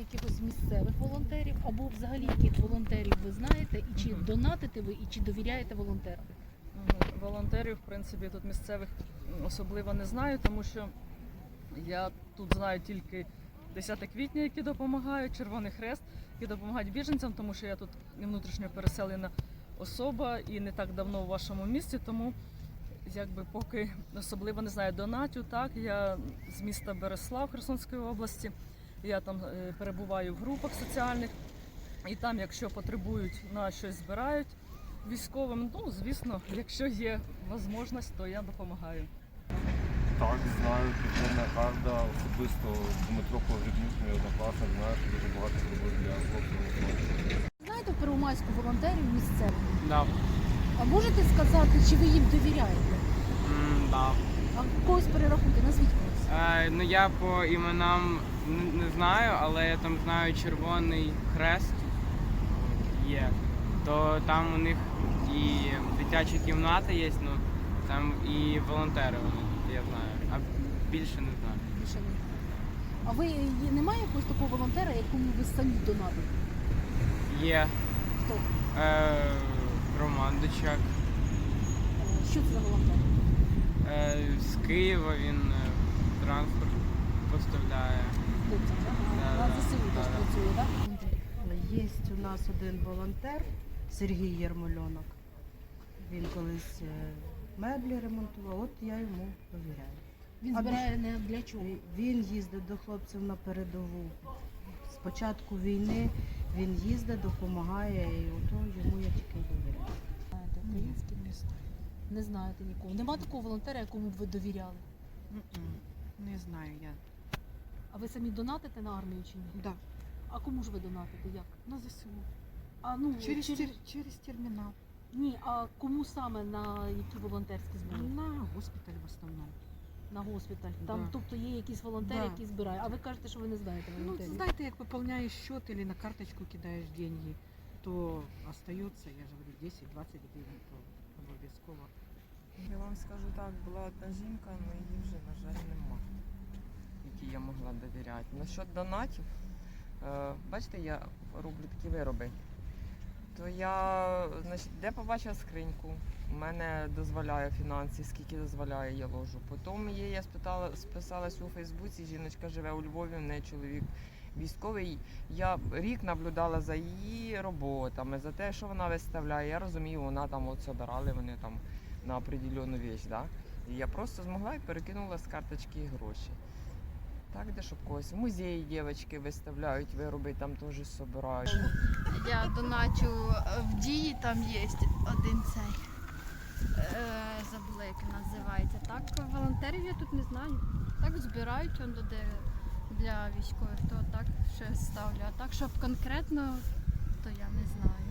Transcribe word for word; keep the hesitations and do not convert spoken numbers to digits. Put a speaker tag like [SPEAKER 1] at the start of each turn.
[SPEAKER 1] якихось місцевих волонтерів, або взагалі яких волонтерів ви знаєте, і чи донатите ви, і чи довіряєте волонтерам?
[SPEAKER 2] Волонтерів, в принципі, тут місцевих особливо не знаю, тому що я тут знаю тільки десяте квітня, які допомагають, Червоний Хрест, які допомагають біженцям, тому що я тут внутрішньо переселена особа і не так давно у вашому місті, тому якби поки особливо не знаю. Донатю, так, я з міста Береслав Херсонської області, я там перебуваю в групах соціальних, і там, якщо потребують, на щось збирають військовим, ну, звісно, якщо є можливість, то я допомагаю.
[SPEAKER 3] Так, знаю, підземна карта, особисто Дмитро Погребнюк, мій однокласник, знаю, що дуже багато зробив для хлопців.
[SPEAKER 1] Знаєте в Первомайську волонтерів місцевих?
[SPEAKER 4] Да.
[SPEAKER 1] А можете сказати, чи ви їм довіряєте?
[SPEAKER 4] М, да.
[SPEAKER 1] А когось перерахуйте, назвіть когось.
[SPEAKER 4] Е, ну я по іменам не, не знаю, але я там знаю Червоний Хрест є. То там у них і дитячі кімнати є, ну там і волонтери вони, я знаю. А більше не знаю.
[SPEAKER 1] Більше не знаю. А ви є- немає якогось такого волонтера, якому ви самі донатите?
[SPEAKER 4] Є
[SPEAKER 1] Хто?
[SPEAKER 4] е, Роман Дичак.
[SPEAKER 1] Е, Що це за волонтер?
[SPEAKER 4] Е, з Києва він е, транспорт поставляє.
[SPEAKER 1] Хлопцям, так?
[SPEAKER 4] Да,
[SPEAKER 1] На
[SPEAKER 4] да,
[SPEAKER 1] ЗСУ
[SPEAKER 4] да,
[SPEAKER 1] теж
[SPEAKER 4] да.
[SPEAKER 1] працює, так?
[SPEAKER 5] Є у нас один волонтер Сергій Єрмольонок. Він колись е, меблі ремонтував, от я йому довіряю.
[SPEAKER 1] Він
[SPEAKER 5] А
[SPEAKER 1] збирає не для чого.
[SPEAKER 5] Він їздить до хлопців на передову. З початку війни він їздить, допомагає, і ото йому я тільки довіряю.
[SPEAKER 1] Знаєте, українське місто? Не знаєте нікого. Нема такого волонтера, якому б ви довіряли?
[SPEAKER 6] Не знаю я.
[SPEAKER 1] А ви самі донатите на армію чи ні?
[SPEAKER 6] Да.
[SPEAKER 1] А кому ж ви донатите? Як?
[SPEAKER 6] На ЗСУ.
[SPEAKER 1] А, ну,
[SPEAKER 6] Через,
[SPEAKER 1] через...
[SPEAKER 6] тер- через термінал.
[SPEAKER 1] Ні, а кому саме на які волонтерські збори?
[SPEAKER 6] На госпіталь в основному.
[SPEAKER 1] На госпіталь. Там,
[SPEAKER 6] Да.
[SPEAKER 1] тобто є якісь волонтери,
[SPEAKER 6] Да.
[SPEAKER 1] які збирають. А ви кажете, що ви не знаєте
[SPEAKER 6] Ну,
[SPEAKER 1] волонтерів?
[SPEAKER 6] знаєте, як пополняєш счет или на карточку кидаєш деньги, то остається, я ж говорю, десять-двадцять гривень, то обов'язково.
[SPEAKER 7] Я вам скажу так, була одна жінка, але її вже, на жаль, нема, якій я могла довіряти. Насчет донатів, е, бачите, я роблю такі вироби. То я, значить, де побачила скриньку, у мене дозволяє фінанси, скільки дозволяє, я ложу. Потім її я спитала, списалась у Фейсбуці, жіночка живе у Львові, в неї чоловік військовий. Я рік наблюдала за її роботами, за те, що вона виставляє. Я розумію, вона там от собирали вони там на определенну річ, да? І я просто змогла і перекинула з карточки гроші. Так, де щоб когось. В музеї дівчатки виставляють вироби, там теж собирають.
[SPEAKER 8] Я доначу в дії, там є один цей, е, забула, як він називається. Так, волонтерів я тут не знаю. Так збирають он де для військових, то так ще ставлю. А так, щоб конкретно, то я не знаю.